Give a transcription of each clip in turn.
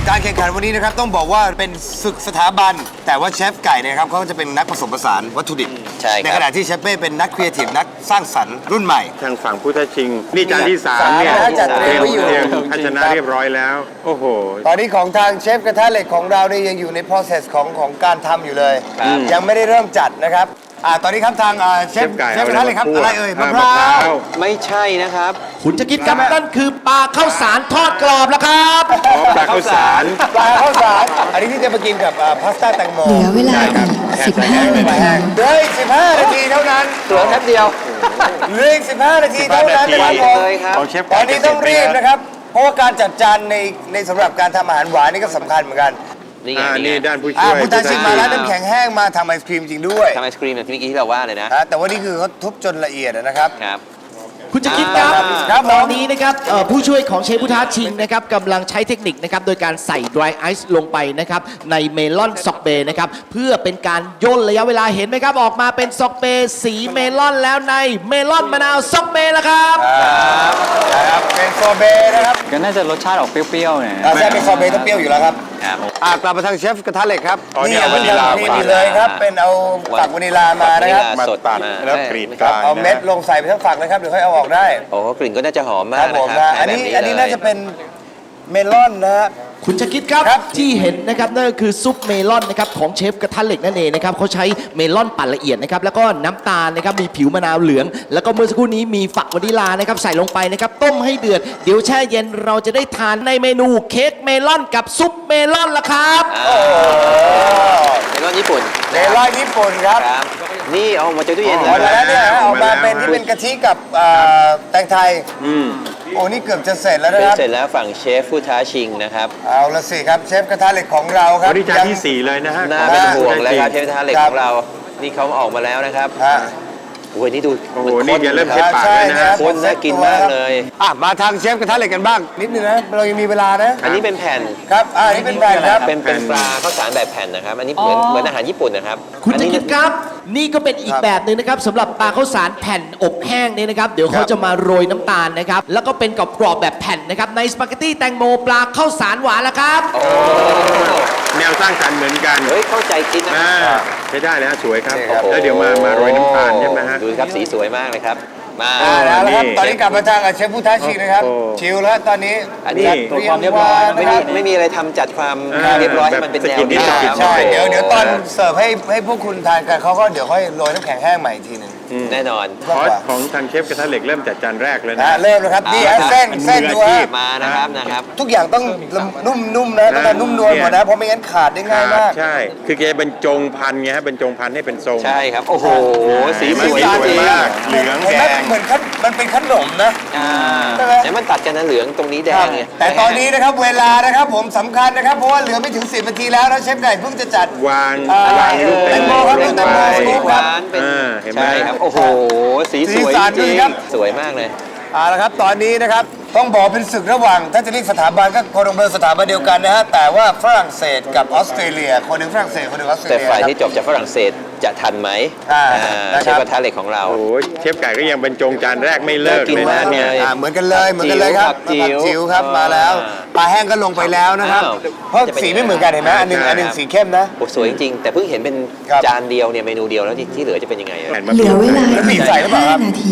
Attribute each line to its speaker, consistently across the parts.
Speaker 1: การแข่งขันวันนี้นะครับต้องบอกว่าเป็นศึกสถาบันแต่ว่าเชฟไก่เนี่ยครับเขาก็จะเป็นนักผสมผสานวัตถุดิบ
Speaker 2: ใช่ครับ
Speaker 1: ในขณะที่เชฟเป้เป็นนักครีเอทีฟนักสร้างสรรค์รุ่นใหม่
Speaker 3: ทางฝั่งผู้ท้าชิง นี่จานที่3เนี่ย
Speaker 1: จัดเตรียมไว้อยู่
Speaker 3: เตรียมภาชนะเรียบร้อยแล้ว โอ้โห
Speaker 1: ตอนนี้ของทางเชฟกระทะเหล็กของเราเนี่ยยังอยู่ใน process ของการทำอยู่เลย
Speaker 2: ครับ
Speaker 1: ยังไม่ได้เริ่มจัดนะครับตอนนี้ครับทางเชฟ
Speaker 3: เชฟไก่
Speaker 1: กระทะเหล็กครับ
Speaker 3: เอา
Speaker 1: อะไร
Speaker 3: อะไร
Speaker 1: เอ่ย
Speaker 3: มาม
Speaker 1: ะ
Speaker 3: คั่
Speaker 1: พ
Speaker 3: ว
Speaker 1: ร้าว
Speaker 2: ไม่ใช่นะครับ
Speaker 4: คุณจะคิดครับนั่นคือปลาข้าวสารทอดกรอบแล้วครับ
Speaker 3: อ๋อปลาข้าวสาร
Speaker 1: ปลาข้าวสารอันนี้ที่จะมากินกับพาสต้าแตงโม
Speaker 5: เหลือเวลาอีก 15 นาที
Speaker 1: เหลืออีก15 นาทีเท่านั้น
Speaker 2: ตัวแป๊บเดียว
Speaker 1: เหลืออีก15 นาทีเท่านั้นนะครับผม
Speaker 2: เลยครับ
Speaker 3: ของเชฟ
Speaker 1: ตอนนี้ต้องรีบนะครับ เพราะว่าการจัดจานในสำหรับการทำอาหารหวานนี่ก็สำคัญเหมือนกัน
Speaker 2: นี่ไง
Speaker 3: นี่
Speaker 2: นี่ไง
Speaker 3: ด้านผู้ช่วย
Speaker 1: ผู้ท้าชิงมาแล้วน้ำแข็งแห้งมาทำไอศครีมจริงด้วย
Speaker 2: ทำไอศครีมแบบที่เมื่อกี้ที่เราว่าเลยนะ
Speaker 1: แต่ว่านี่คือเขาทุบจนละเอียดนะครับ
Speaker 2: ครับ
Speaker 4: คุณจะคิดครับ
Speaker 1: ครับผม
Speaker 4: ตอนนี้นะครับผู้ช่วยของเชฟผู้ท้าชิงนะครับกำลังใช้เทคนิคนะครับโดยการใส่ dry ice ลงไปนะครับในเมลอนซอกเบนะครับเพื่อเป็นการย่นระยะเวลาเห็นไหมครับออกมาเป็นซอกเบสีเมลอนแล้วในเมลอนมะนาวซอกเบแล้วครับ
Speaker 1: นะครับเป็นโซเบนะครับ
Speaker 6: ก็น่าจะรสชาติออกเปรี้ยวๆหน่อย
Speaker 1: ใช่เป็นโซเบต้องเปรี้ยวอยู่แล้วครับ
Speaker 2: ครับ
Speaker 1: กลับมาทางเชฟกระทะเหล็กครับ
Speaker 3: อ๋อนี่
Speaker 1: นี่
Speaker 3: เอา
Speaker 1: เพิ่ง
Speaker 3: วานิลลา
Speaker 1: ทำนี่เลยครับเป็นเอาฝักวานิลามานะครับ
Speaker 3: มา
Speaker 2: สด
Speaker 3: ตัด
Speaker 2: มา
Speaker 3: แล้วกรีดกลาง
Speaker 1: เอาเม็ด
Speaker 3: นะ
Speaker 1: ลงใส่ไปทั้งฝักเลยครับเดี๋ยวค่อยเอาออกได้
Speaker 2: โอ้กลิ่นก็น่าจะหอม
Speaker 1: ค
Speaker 2: มา
Speaker 1: รั
Speaker 2: ก
Speaker 1: บผ
Speaker 2: นะ
Speaker 1: ม
Speaker 2: ครับ
Speaker 1: นะอันนี้
Speaker 2: แบบ
Speaker 1: อันนี้
Speaker 2: เลย
Speaker 1: น่าจะเป็นเมลอนนะฮะ
Speaker 4: คุณจะคิดครับ
Speaker 1: ครับ
Speaker 4: ที่เห็นนะครับนั่นก็คือซุปเมลอนนะครับของเชฟกระทะเหล็กนั่นเองนะครับเขาใช้เมลอนปั่นละเอียดนะครับแล้วก็น้ำตาลนะครับมีผิวมะนาวเหลือง แล้วก็เมื่อสักครู่นี้มีฝักวานิลานะครับใส่ลงไปนะครับต้มให้เดือดเดี๋ยวแช่เย็นเราจะได้ทานในเมนูเค้กเมลอนกับซุปเมลอนละครับ
Speaker 2: เมลอนญี่ปุ่น
Speaker 1: เมลอนญี่ปุ่นครับ
Speaker 2: ครับ นี่เอามาจากตู้เย็น
Speaker 1: อ
Speaker 2: แล้
Speaker 1: อ
Speaker 2: ว
Speaker 1: กมาแล้วเนี่ย
Speaker 3: อ
Speaker 1: อ
Speaker 3: อ
Speaker 1: อก ก
Speaker 3: มา
Speaker 1: มา
Speaker 3: แล้ว
Speaker 1: เป็นที่เป็นกะทิกับแตงไทยโอ้นี่เกือบจะเสร็จแล้วนะ
Speaker 2: เป็น
Speaker 1: ครับ
Speaker 2: เสร็จแล้วฝั่งเชฟผู้ท้าชิงนะครับ
Speaker 1: เอาละสิครับเชฟกระทะเหล็กของเราครับ
Speaker 3: วันนี้จานที่ 4 เลยนะฮะ
Speaker 2: น่าเป็นห่วงเลยครับเชฟ
Speaker 3: จ
Speaker 2: ท้าเหล็กของเรา นี่เขาออกมาแล้วนะครับ
Speaker 1: ฮะ
Speaker 2: โอ้ยนี่ดู
Speaker 3: โอ้โห
Speaker 2: มั
Speaker 3: นี่อย่าเริ่มเช็ดปาก
Speaker 1: ใช่
Speaker 3: เลยนะฮะ
Speaker 1: ครับ
Speaker 2: ข้นน่ากินมากเลย
Speaker 1: มาทางเชฟกระทะเหล็กกันบ้าง นิดนึงนะเรายังมีเวลานะ
Speaker 2: อันนี้เป็นแผ่น
Speaker 1: ครับอันนี้เป็นแบรนด์ครับ
Speaker 2: เป็นปลาข้าวสารแบบแผ่นนะครับ อันนี้เหมือนอาหารญี่ปุ่นนะครับ
Speaker 4: คุณ
Speaker 2: อัน
Speaker 4: จะ
Speaker 2: นี้
Speaker 4: คิดครับ นี่ก็เป็นอีกแบบหนึ่งนะครับสำหรับปลาข้าวสารแผ่นอบแห้งเนี่ยนะครับ เดี๋ยวเขาจะมาโรยน้ำตาลนะครับ แล้วก็เป็นกรอบๆแบบแผ่นนะครับ ในสปาเกตตี้แตงโมปลาข้าวสารหวานละครับ
Speaker 3: แนวสร้างสรรค์เหมือนกัน
Speaker 2: เฮ้ยเข้าใจคิดนะ
Speaker 3: ใช้ได้เลยฮะสวยครับ
Speaker 1: นี่ครับ
Speaker 3: แล้วเดี๋ยวมาโรยน้ำตาลใช่ไหมฮะ
Speaker 2: ดูครับสีสวยมากเลยครับ มา
Speaker 1: แล้วครับ
Speaker 3: นี่
Speaker 1: ตอนนี้กลับมาทางเชฟผู้ท้าชิงนะครับ
Speaker 3: โอ้
Speaker 1: ชิลแล้วตอนนี้
Speaker 2: อันนี้
Speaker 1: จัด
Speaker 6: ตัวความเรียบร้อย
Speaker 1: นะ
Speaker 2: ไม่
Speaker 1: ค
Speaker 2: มี
Speaker 1: รับ
Speaker 2: ไม่มีอะไรทำจัดความเรียบร้อยให้มันเป็นแนว
Speaker 3: แบบสกินนิดหน่อย
Speaker 1: ใช่เดี๋ยวตอนเสิร์ฟให้พวกคุณทานกันเขาก็เดี๋ยวค่อยโรยน้ำแข็งแห้งใหม่อีกทีหนึ่ง
Speaker 2: แน่นอน
Speaker 3: คอร์สของทางเชฟกระทะเหล็กเริ่มจัดจานแรกเลยนะ
Speaker 1: เริ่มแล้วครับนี่ฮะ
Speaker 2: เอาละครับ
Speaker 1: เส้นดูฮะ
Speaker 2: มานะครับ
Speaker 1: ทุกอย่างต้องนุ่มๆนะต้องการนุ่มนวลหมดนะเพราะไม่งั้นขาดได้ง่ายมาก
Speaker 3: ใช่ คือแกบรรจงพันไงฮะบรรจงพันให้เป็นทรง
Speaker 2: ใช่ครับ โอ้โห สีสวย
Speaker 3: สีสวย
Speaker 2: จริง
Speaker 3: มาก เหลือง
Speaker 1: เห็น
Speaker 3: แด
Speaker 1: ไหม
Speaker 3: ง
Speaker 1: เหมือนมันเป็นขนมนะ ใช่ไหม
Speaker 2: แล้วมันตัดกันนะเหลืองตรงนี้แดงไง
Speaker 1: แต่ตอนนี้นะครับเวลานะครับผมสำคัญนะครับ เพราะว่าเหลือไม่ถึง 10 นาทีแล้วนะเชฟไก่เพิ่งจะจัด
Speaker 3: วาง
Speaker 1: อะไร
Speaker 3: วางลูก
Speaker 1: แต
Speaker 3: แต
Speaker 1: ง
Speaker 3: ง
Speaker 1: โม
Speaker 3: โม
Speaker 1: ครับ
Speaker 3: ลง
Speaker 1: แตง
Speaker 3: ไป
Speaker 1: โมสกู๊ป
Speaker 2: หวานเป็น
Speaker 3: เห็นไหม
Speaker 2: ใช่ครับ โอ้โห สีสวย
Speaker 1: สีสัน
Speaker 2: จ
Speaker 1: ดู
Speaker 2: ริง
Speaker 1: ครับ
Speaker 2: สวยมากเลย
Speaker 1: เอาละครับตอนนี้นะครับต้องบอกเป็นศึกระหว่างถ้าจะเรียกสถาบันก็โคลอมเบียสถาบันเดียวกันนะฮะแต่ว่าฝรั่งเศสกับออสเตรเลียคนหนึ่งฝรั่งเศสคนหนึ่งออสเตร
Speaker 2: แต่
Speaker 1: เลีย
Speaker 2: ฝ่าย
Speaker 1: ครับ
Speaker 2: ที่จบจากฝรั่งเศสจะทันไหม
Speaker 1: นะครับ
Speaker 2: เชฟกระทะเหล็กของเรา
Speaker 3: โอ้โหเชฟไก่ก็ยังบรรจงจานแรกไม่เลิก
Speaker 2: น่ากิน
Speaker 3: เลย
Speaker 2: มา
Speaker 3: นะ
Speaker 2: ก
Speaker 3: เนี่ย
Speaker 2: เลย
Speaker 1: เหมือนกันเลยครับ
Speaker 2: ผักจิ๋ว
Speaker 1: ผักจิ๋วครับมาแล้วปลาแห้งก็ลงไปแล้วนะครับ
Speaker 2: อ้าว
Speaker 1: เพราะสีไม่เหมือนกันเห็นไหมอันหนึ่งสีเข้มนะ
Speaker 2: โอ้สวยจริงๆ แต่เพิ่งเห็นเป็น
Speaker 1: ครับ
Speaker 2: จานเดียวเนี่ยเมนูเดียวแล้วที่เหลือจะเป็นยังไงอะ
Speaker 3: แผ่นมะ
Speaker 5: เห
Speaker 3: ก
Speaker 5: ลื
Speaker 3: รู
Speaker 5: อ
Speaker 3: ด
Speaker 5: เวลา
Speaker 1: แล้วบี
Speaker 5: อี
Speaker 1: บ
Speaker 5: ก
Speaker 1: ใส่หรือเปล่าครับ
Speaker 5: 5 นาที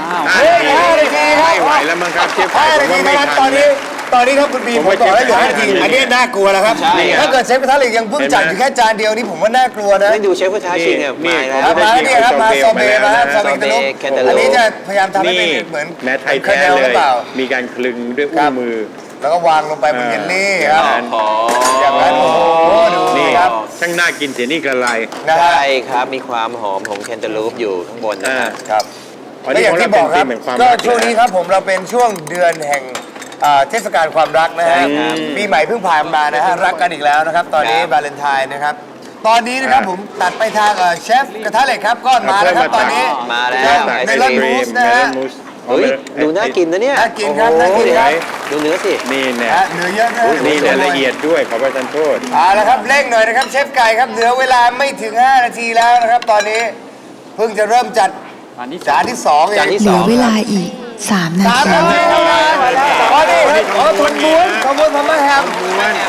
Speaker 1: 5 นาทีครับ
Speaker 3: ไม่ไหวแล้วมั้งครับเชฟไก่
Speaker 1: 5
Speaker 3: ผ
Speaker 1: นาม ที
Speaker 3: ว่าไม่
Speaker 1: นะครับ
Speaker 3: ทั
Speaker 1: ตอน นนี้ถ้าคุณบีม
Speaker 3: ผม
Speaker 1: ผม
Speaker 3: ว่า
Speaker 1: บอกแล้วเหลือ
Speaker 3: เชฟ
Speaker 1: 5 นาที
Speaker 3: 5
Speaker 1: อันนี้น่ากลัวแล้วครับ
Speaker 2: ใช่
Speaker 1: ถ้าเกิดเชฟกระทะเหล็กยังเพิ่งจัดอยู่แค่จานเดียวนี่ผมว่าน่ากลัวนะ
Speaker 2: ไม่ดูเชฟผู้ท้าชิงเนี่ย
Speaker 3: นี่
Speaker 2: มา
Speaker 1: ค
Speaker 2: แล้
Speaker 1: รั
Speaker 2: ว
Speaker 1: บมาเนี่ยครับมาโซเบมาครับโซเบ
Speaker 2: โซเบ
Speaker 1: กระลุก
Speaker 2: แคนตาลูป
Speaker 1: อันนี้จะพยายามทำให้
Speaker 3: นี่
Speaker 1: เป็นเหมือน
Speaker 3: แม้ไทย
Speaker 1: คา
Speaker 3: แท้
Speaker 1: เนล
Speaker 3: เล
Speaker 1: หรื
Speaker 3: ย
Speaker 1: อเปล่า
Speaker 3: มีการคลึงด้วย
Speaker 1: ครั
Speaker 3: อุ้
Speaker 1: บ
Speaker 3: งมือ
Speaker 1: แล้วก็วางลงไปบนเยลลี่ครับ
Speaker 2: อ๋อ
Speaker 1: อย่างนั้นโอ้โหดู
Speaker 3: นี่
Speaker 1: ครับ
Speaker 3: ช่างน่ากินเสียนี่กระไร
Speaker 1: นะฮะ
Speaker 2: ใช่ครับ มีความหอมของแคนตาลูปอยู่ข้างบนนะครับ
Speaker 1: ครับ
Speaker 3: อัน
Speaker 1: และ
Speaker 3: นี้
Speaker 1: อย่าง
Speaker 3: ของ
Speaker 1: ที่
Speaker 3: เรา
Speaker 1: บ
Speaker 3: เป็
Speaker 1: อน กครับ
Speaker 3: ธีมแห่งความ
Speaker 1: ก็
Speaker 3: รัก
Speaker 1: ช่วงนี้ครับผมเราเป็นช่วงเดือนแห่งเทศกาลความรักนะฮะ
Speaker 2: ใช่ครับ
Speaker 1: ปีใหม่เพิ่งผ่านมานะฮะรักกันอีกแล้วนะครับ ตอนนี้
Speaker 2: ครับ
Speaker 1: วาเลนไทน์นะครับ ตอนนี้นะครับผมตัดไปทางเชฟกระทะเหล็กครับก็มาแล้วครับตอนนี้
Speaker 2: มาแล้ว
Speaker 1: เชฟเมลอนมูสนะฮะ
Speaker 2: เฮ้ย ดูน่ากินนะเนี่ย
Speaker 1: น่ากินครับน่ากินครับ
Speaker 2: ดูเนื้อสิ
Speaker 3: นี่เนี่ย
Speaker 1: นะฮะเนื้อเยอะนะ
Speaker 3: นี่เนี่ยละเอียดด้วยขอประทานโทษ
Speaker 1: เอาละครับเร่งหน่อยนะครับเชฟไก่ครับเหลือเวลาไม่ถึง 5 นาทีแล้วนะครับ ตอนนี้เพิ่งจะเริ่มจัดจานที่2เอง
Speaker 2: จานที่
Speaker 5: เหลือเวลาอีก 3 นา
Speaker 1: สาม
Speaker 5: ที
Speaker 1: นาทีเท่านั้นอ๋อนี่ครับอ๋อทนม้วนพม่าแฮม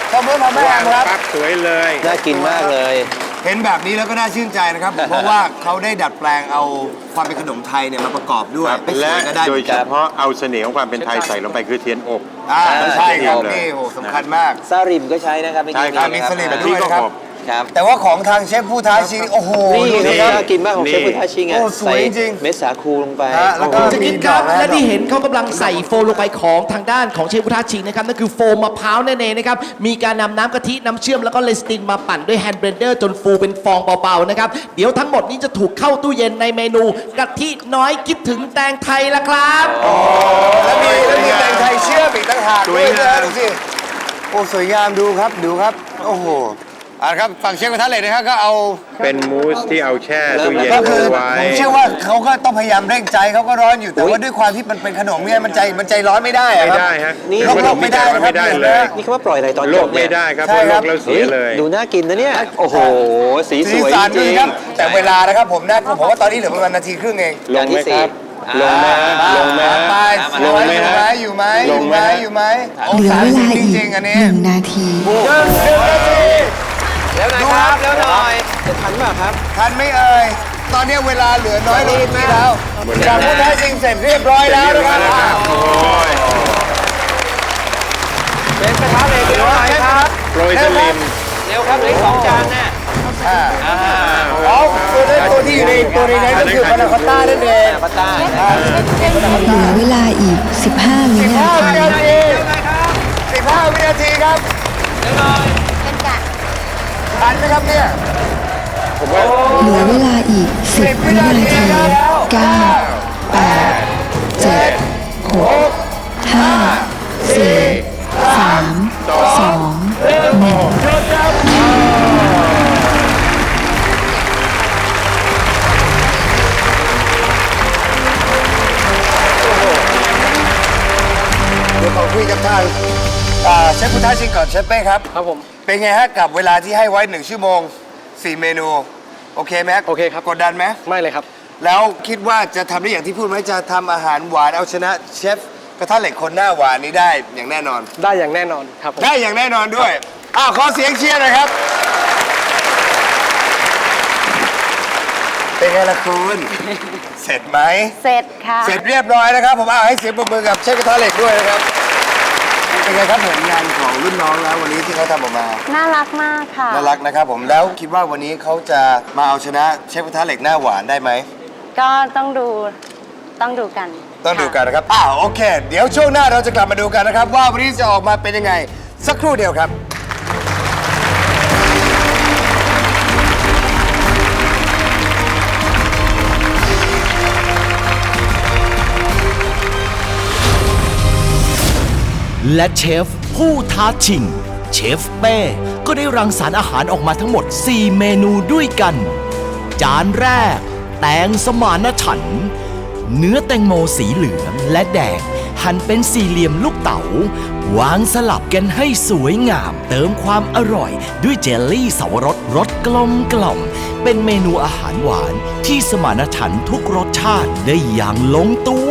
Speaker 1: ขอบคุณพ่อแม่
Speaker 3: วาง
Speaker 1: ครับ
Speaker 3: ปั๊บสวยเลย
Speaker 2: น่ากินมากเลย
Speaker 1: เห็นแบบนี้แล้วก็น่าชื่นใจนะครับ เพราะว่าเขาได้ดัดแปลงเอาความเป็นขนมไทยเนี่ยมาประกอบด้วย
Speaker 3: ครับ
Speaker 1: ไม่ส
Speaker 3: และ
Speaker 1: วยก็ได้
Speaker 3: โดยเฉพาะเอาเสน่ห์ของความเป็นไทยใส่ลงไปคือเทียนอบ
Speaker 1: ใช่ครับ
Speaker 3: เลย
Speaker 1: นี่โหสำคัญมาก
Speaker 2: ซาริมก็ใช้นะครับไม่
Speaker 3: ใช่
Speaker 2: กิน
Speaker 3: ครับ
Speaker 1: มี
Speaker 2: นะ
Speaker 1: สลิม
Speaker 3: กะ
Speaker 1: ด้
Speaker 3: ทิ
Speaker 1: วย
Speaker 3: ก็
Speaker 1: นะครับ
Speaker 3: อบ
Speaker 2: ครับ
Speaker 1: แต่ว่าของทางเชฟผู้ท้าชิงโอ้โห
Speaker 2: นี่
Speaker 1: ดูสิครับ
Speaker 2: น่ากินมากของเชฟพุทธาชิงอ่ะ
Speaker 1: โอ้สวย
Speaker 2: ใส่
Speaker 1: จริง
Speaker 2: เม็ดสาคูลงไป
Speaker 1: ฮะแล้วก็
Speaker 4: จะกินครับและที่เห็นเขากำลังใส่โฟมลงไปของทางด้านของเชฟพุทธาชิงนะครับนั่นคือโฟมมะพร้าวนั่นเองนะครับมีการนำน้ำกะทิน้ำเชื่อมแล้วก็เลสตินมาปั่นด้วยแฮนด์เบลนเดอร์จนฟูเป็นฟองเบาๆนะครับเดี๋ยวทั้งหมดนี้จะถูกเข้าตู้เย็นในเมนูกะทิน้อยคิดถึงแตงไทยละครับ
Speaker 1: แล้วมีแตงไทยเชื่อมอีกต่างหากด้วยนะดูสิโอ้สวยงามดูครับดูครับโอ้โหครับฝั่งเชฟกระทะเหล็กนะครับก็เอา
Speaker 3: เป็นมูสที่เอาแช่ตู้เย็น
Speaker 1: ก็คือ
Speaker 3: เอาไว้
Speaker 1: ผมเชื่อว่าเขาก็ต้องพยายามเร่งใจเขาก็ร้อนอยู่แต่ว่าด้วยความที่มันเป็นขนมเนี่ยมันใจร้อนไม่ได้อะ
Speaker 3: ไม่
Speaker 1: ครับ
Speaker 3: ได้ฮะ
Speaker 2: นี่
Speaker 3: ขนมไม่ได้ไม่ได้เลย
Speaker 2: นี่เขาว่าปล่อยอะไรตอน
Speaker 3: โล
Speaker 2: จ
Speaker 3: ก
Speaker 2: บเนี่
Speaker 3: ไม่
Speaker 2: ย
Speaker 3: ได้ครับ
Speaker 1: ใช่
Speaker 3: เพราะ
Speaker 1: ครับ
Speaker 3: โลกแล้วเสียเลย
Speaker 2: ดูน่ากินนะเนี่ย โอ้โห สีส
Speaker 1: สี
Speaker 2: วย
Speaker 1: สัน
Speaker 2: จ
Speaker 1: ดู
Speaker 2: ริง
Speaker 1: ครับแต่เวลานะครับผมว่าตอนนี้เหลือประมาณนาทีครึ่งเอง
Speaker 3: ลงไหมครับ ลงไหมลงไหม
Speaker 1: ไป
Speaker 3: ลงไหมฮะ
Speaker 1: อยู่ไหม
Speaker 3: ลงไหม
Speaker 1: อยู่ไหม
Speaker 5: เหลือเวลา
Speaker 1: จ
Speaker 5: อีก
Speaker 1: ริงๆอันนี้
Speaker 5: 1 นาที
Speaker 1: 1 นาที
Speaker 2: แล้วนะครับแล้วหน่อยจะทันเปล่าครับ
Speaker 1: ทันไหม่เอ่ยตอนนี้เวลาเหลือน้อยลงทีแล้วจากผู้ท้าชิงเสร็จเรียบร้อยแล้วนะครับ
Speaker 3: โอ้ย
Speaker 2: เป็นกระทะเหล็กเร็วหน่อยครับ
Speaker 3: โปรยสลิม
Speaker 2: เร็วครับเหลืออก2 จานน่ะ
Speaker 1: อ๋อตัวที่อยู่ในนั้นก็คือพานาคอตต้านั่นเอง
Speaker 2: ปาต้า
Speaker 5: เหลือเวลาอีก 15 วินา
Speaker 1: 15 วิ
Speaker 5: ที
Speaker 1: นาที15 วินาทีครับทันไหมครับเนี่ย
Speaker 5: เหลือเวลาอีก 10 วินาที 9 8 7 6 5 4 3 2 1
Speaker 1: เดี๋ยวขอคุยกับทางเชฟพุทธาชิงก่อนเชฟเป้ครับ
Speaker 6: ครับผม
Speaker 1: เป็นไงฮะกับเวลาที่ให้ไว้1 ชั่วโมง 4 เมนู โอเคไหม
Speaker 6: โอเคครับ
Speaker 1: กดดันไหม
Speaker 6: ไม่เลยครับ
Speaker 1: แล้วคิดว่าจะทำได้อย่างที่พูดไหมจะทำอาหารหวานเอาชนะเชฟกระทะเหล็กคนหน้าหวานนี้ได้อย่างแน่นอน
Speaker 6: ได้อย่างแน่นอนครับผม
Speaker 1: ได้อย่างแน่นอนด้วยขอเสียงเชียร์หน่อยครับ เป็นไงล่ะคุณ เสร็จไหม
Speaker 7: เสร็จค่ะ
Speaker 1: เสร็จเรียบร้อยนะครับ ผมให้เสียงปรบมือกับเชฟกระทะเหล็กด้วยนะครับ เป็นไงครับผลงานของรุ่นน้องแล้ววันนี้ที่เขาทำออกมา
Speaker 7: น่ารักมากค่ะ
Speaker 1: น่ารักนะครับผมแล้วคิดว่าวันนี้เขาจะมาเอาชนะเชฟกระทะเหล็กหน้าหวานได้ไหม
Speaker 7: ก็ต้องดูกัน
Speaker 1: ต้องดูกัน
Speaker 7: ค่ะ
Speaker 1: นะครับโอเค เดี๋ยวช่วงหน้าเราจะกลับมาดูกันนะครับ ว่าวันนี้จะออกมาเป็นยังไง สักครู่เดียวครับ
Speaker 4: และเชฟผู้ท้าชิง เชฟเป้ก็ได้รังสรรค์อาหารออกมาทั้งหมด 4 เมนูด้วยกัน จานแรก แตงสมานฉันท์เนื้อแตงโมสีเหลืองและแดง หั่นเป็นสี่เหลี่ยมลูกเต๋าวางสลับกันให้สวยงาม เติมความอร่อยด้วยเจลลี่สวรสรสกลมกล่อม เป็นเมนูอาหารหวานที่สมานฉันท์ทุกรสชาติได้อย่างลงตัว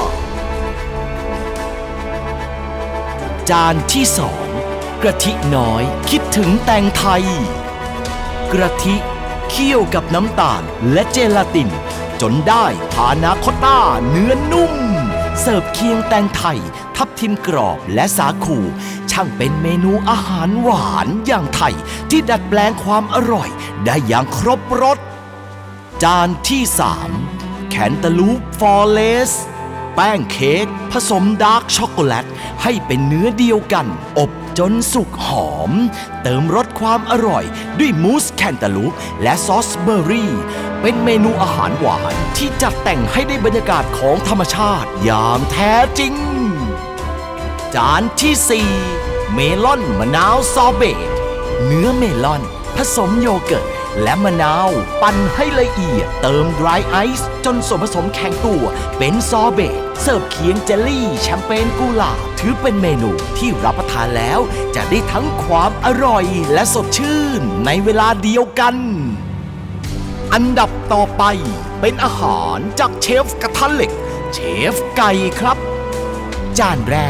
Speaker 4: จานที่สองกะทิน้อยคิดถึงแตงไทย กะทิเคี่ยวกับน้ำตาลและเจลาติน จนได้พานาคอตต้าเนื้อนุ่ม เสิร์ฟเคียงแตงไทย ทับทิมกรอบและสาคู ช่างเป็นเมนูอาหารหวานอย่างไทย ที่ดัดแปลงความอร่อยได้อย่างครบรส จานที่ 3 แคนตาลูปฟอร์เลส แป้งเค้กผสมดาร์กช็อกโกแลตให้เป็นเนื้อเดียวกัน อบจนสุกหอม เติมรสความอร่อยด้วยมูสแคนตาลูปและซอสเบอร์รี่ เป็นเมนูอาหารหวานที่จัดแต่งให้ได้บรรยากาศของธรรมชาติอย่างแท้จริง จานที่ 4 เมลอนมะนาวซอเบต เนื้อเมลอน ผสมโยเกิร์ตและมะนาวปั่นให้ละเอียดเติมดรายไอซ์จนส่วนผสมแข็งตัวเป็นซอเบตเสิร์ฟเคียงเจลลี่แชมเปญกุหลาบถือเป็นเมนูที่รับประทานแล้วจะได้ทั้งความอร่อยและสดชื่นในเวลาเดียวกัน อันดับต่อไปเป็นอาหารจากเชฟกระทะเหล็ก เชฟไก่ครับ จานแรก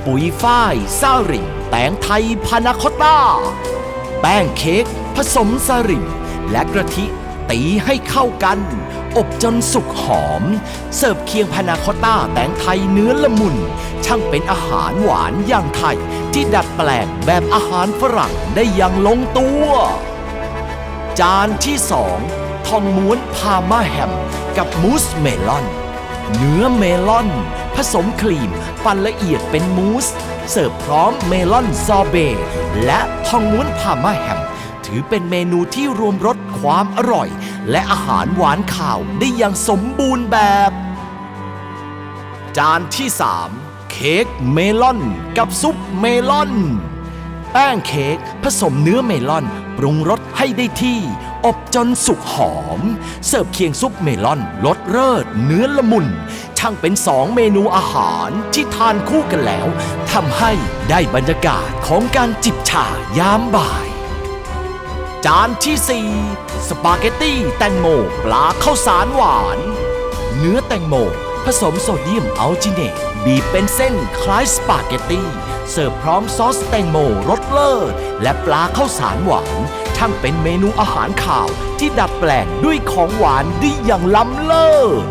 Speaker 4: ปุ๋ยฝ้ายซาริงแตงไทยพานาคอตต้า แป้งเค้กผสมสลิมและกะทิตีให้เข้ากัน อบจนสุกหอม เสิร์ฟเคียงพานาคอตต้าแตงไทยเนื้อละมุน ช่างเป็นอาหารหวานอย่างไทย ที่ดัดแปลงแบบอาหารฝรั่งได้อย่างลงตัว จานที่ 2 ทองม้วนพาม่าแฮมกับมูสเมลอน เนื้อเมลอน ผสมครีมปั่นละเอียดเป็นมูส เสิร์ฟพร้อมเมลอนซอเบต์และทองม้วนพาม่าแฮม ถือเป็นเมนูที่รวมรสความอร่อย และอาหารหวานข่าวได้อย่างสมบูรณ์แบบ จานที่ 3 เค้กเมลอนกับซุปเมลอน แป้งเค้กผสมเนื้อเมลอนปรุงรสให้ได้ที่ อบจนสุกหอม เสิร์ฟเคียงซุปเมลอนรสเลิศเนื้อละมุน ช่างเป็น 2 เมนูอาหารที่ทานคู่กันแล้วทำให้ได้บรรยากาศของการจิบชายามบ่าย จานที่ 4 สปาเกตตี้แตงโมปลาข้าวสารหวาน เนื้อแตงโมผสมโซเดียมอัลจิเนตบีบเป็นเส้นคล้ายสปาเกตตี้เสิร์ฟพร้อมซอสแตงโมรสเลิศและปลาข้าวสารหวานช่างเป็นเมนูอาหารข่าวที่ดัดแปลงด้วยของหวานได้อย่างล้ำเลิศ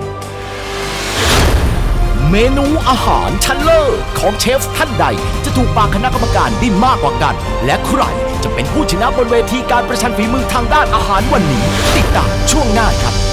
Speaker 4: เมนูอาหารชั้นเลิศของเชฟท่านใดจะถูกปากคณะกรรมการได้มากกว่ากัน และใครจะเป็นผู้ชนะบนเวทีการประชันฝีมือทางด้านอาหารวันนี้ ติดตามช่วงหน้าครับ